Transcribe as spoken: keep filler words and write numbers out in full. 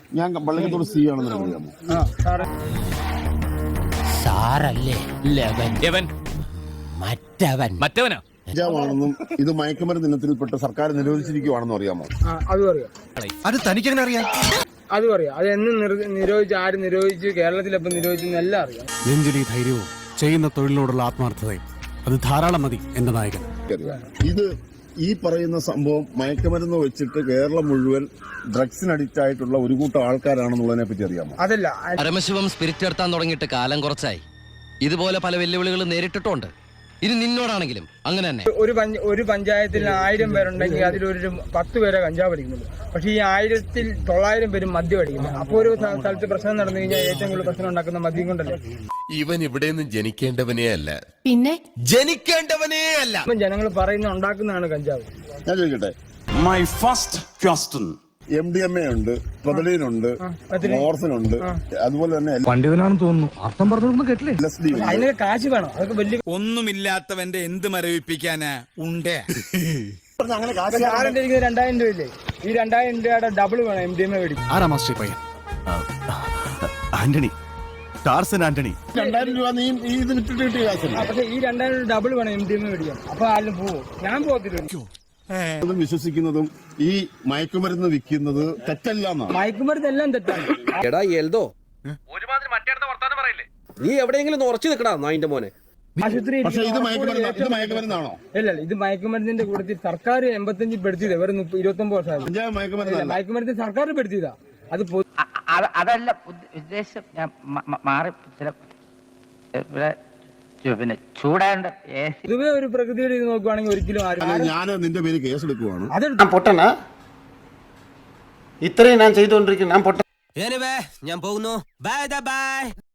ഞാൻ പള്ളിക്കത്തോട് സി ആണെന്ന് അറിയാമോ? സാറല്ലേ ലവൻ മറ്റവൻ മറ്റവനാ കഞ്ചാവാണെന്നും ഇത് മയക്കുമരുന്ന് ഇനത്തിൽപ്പെട്ട് സർക്കാർ നിരോധിച്ചിരിക്കുവാണെന്നും അറിയാമോ? അതും അറിയാം. അത് തനിക്കെങ്ങനെ അറിയാം? അതും അറിയാം. അത് എന്ന് നിരോധിച്ച് ആര് നിരോധിച്ച് കേരളത്തിലെപ്പം നിരോധിച്ചെന്ന് എല്ലാം അറിയാം. നെഞ്ചിലി ധൈര്യവും ചെയ്യുന്ന തൊഴിലിനോടുള്ള ആത്മാർത്ഥതയും അത് ധാരാളം മതി എന്റെ നായകൻ. ഇത് ഈ പറയുന്ന സംഭവം മയക്കുമരുന്ന് വെച്ചിട്ട് കേരളം മുഴുവൻ ഡ്രഗ്സിന് അഡിക്റ്റ് ആയിട്ടുള്ള ഒരു കൂട്ടം ആൾക്കാരാണെന്നുള്ളതിനെ പറ്റി അറിയാമോ? അതല്ല, പരമശിവം സ്പിരിറ്റ് എടുത്താൻ തുടങ്ങിയിട്ട് കാലം കുറച്ചായി. ഇതുപോലെ പല വെല്ലുവിളികൾ നേരിട്ടിട്ടുണ്ട്. ഇനി നിന്നോടാണെങ്കിലും അങ്ങനെ തന്നെ. ഒരു ഒരു പഞ്ചായത്തിൽ ആയിരം പേരുണ്ടെങ്കിൽ അതിലൊരു പത്ത് പേരെ കഞ്ചാവ് അടിക്കുന്നുള്ളൂ. പക്ഷെ ഈ ആയിരത്തിൽ തൊള്ളായിരം പേരും മദ്യം അടിക്കുന്നത്. അപ്പൊ ഒരു സ്ഥലത്ത് പ്രശ്നം നടന്നു കഴിഞ്ഞാൽ ഏറ്റവും കൂടുതൽ പ്രശ്നം ഉണ്ടാക്കുന്ന മദ്യം കൊണ്ടല്ലേ. ഇവൻ ഇവിടെ നിന്ന് ജനിക്കേണ്ടവനേ അല്ല, പിന്നെ ജനിക്കേണ്ടവനേ അല്ല. ജനങ്ങൾ പറയുന്ന ഉണ്ടാക്കുന്നതാണ് കഞ്ചാവ്. ഞാൻ ചോദിക്കട്ടെ, My first question. M D M A ഉണ്ട്, പ്രൊതലീനുണ്ട്, മോർഫിനുണ്ട്, അതുപോലെ തന്നെ പണ്ഡിതനാണെന്ന് തോന്നുന്നു. അർത്ഥം പറഞ്ഞൊന്നും കേട്ടില്ലേ? എൽ എസ് ഡി ഉണ്ട്. അതിനൊക്കെ കാശ് വേണം. അതൊക്കെ വലിയ ഒന്നുമില്ലാത്തവന്റെ എന്ത് മരവിപ്പിക്കാനാ ഉണ്ടേ. അങ്ങനെ കാശ് സാറിന്റെ ഇരിക്കുന്നത് രണ്ടായിരം രൂപയില്ലേ? ഈ രണ്ടായിരം രൂപയുടെ ഡബിൾ വേണം എം ഡി എം എ മേടിക്കും. ആരാ മാസ്റ്റർ പയ്യൻ? ആന്റണി, ടാർസൻ ആന്റണി. രണ്ടായിരം രൂപ നീ ഈ ഇത് വിട്ടിട്ട് കിട്ടിയ കാശല്ല. പക്ഷെ ഈ രണ്ടായിരം രൂപ ഡബിൾ വേണം എം ഡി എം എ മേടിക്കാൻ. അപ്പൊ ആരും പോവും. ഞാൻ പോകത്തില്ല. വിശ്വസിക്കുന്നതും ഈ മയക്കുമരുന്ന് വിൽക്കുന്നത് തെറ്റല്ല എന്നാണ്. മയക്കുമരുന്ന് എല്ലാം തെറ്റാണ്. എടാ എൽദോ, നീ എവിടെയെങ്കിലും ഉറച്ചു നിൽക്കടാ നായിന്റെ മോനെ. ആശുപത്രി പക്ഷേ ഇത് മയക്കുമരുന്ന് ഇത് മയക്കുമരുന്നാണോ? ഇല്ല, ഇത് മയക്കുമരുന്നിന്റെ കൂട്ടത്തിൽ സർക്കാർ എൺപത്തഞ്ചിൽ പെടുത്തിയത് വെറും ഇരുപത്തി ഒമ്പത് വർഷമായി. പഞ്ചാബ് മയക്കുമരുന്നല്ല. മയക്കുമരുന്ന് സർക്കാർ പെടുത്തിയതാ. അത് അതല്ല ഉദ്ദേശം. ഞാൻ മാറി ചില പിന്നെ ചൂടാണ്ട് പൊതുവെ ഒരു പ്രകൃതിയുടെ ഇത് നോക്കുവാണെങ്കിൽ ഒരിക്കലും ആരും. ഞാൻ നിന്റെ പേര് കേസ് എടുക്കുവാണ്. അതെടുത്ത് പൊട്ടനാ ഇത്രയും ഞാൻ ചെയ്തുകൊണ്ടിരിക്കുന്നു. ഞാൻ പൊട്ട ഞാൻ പോകുന്നു. Bye by.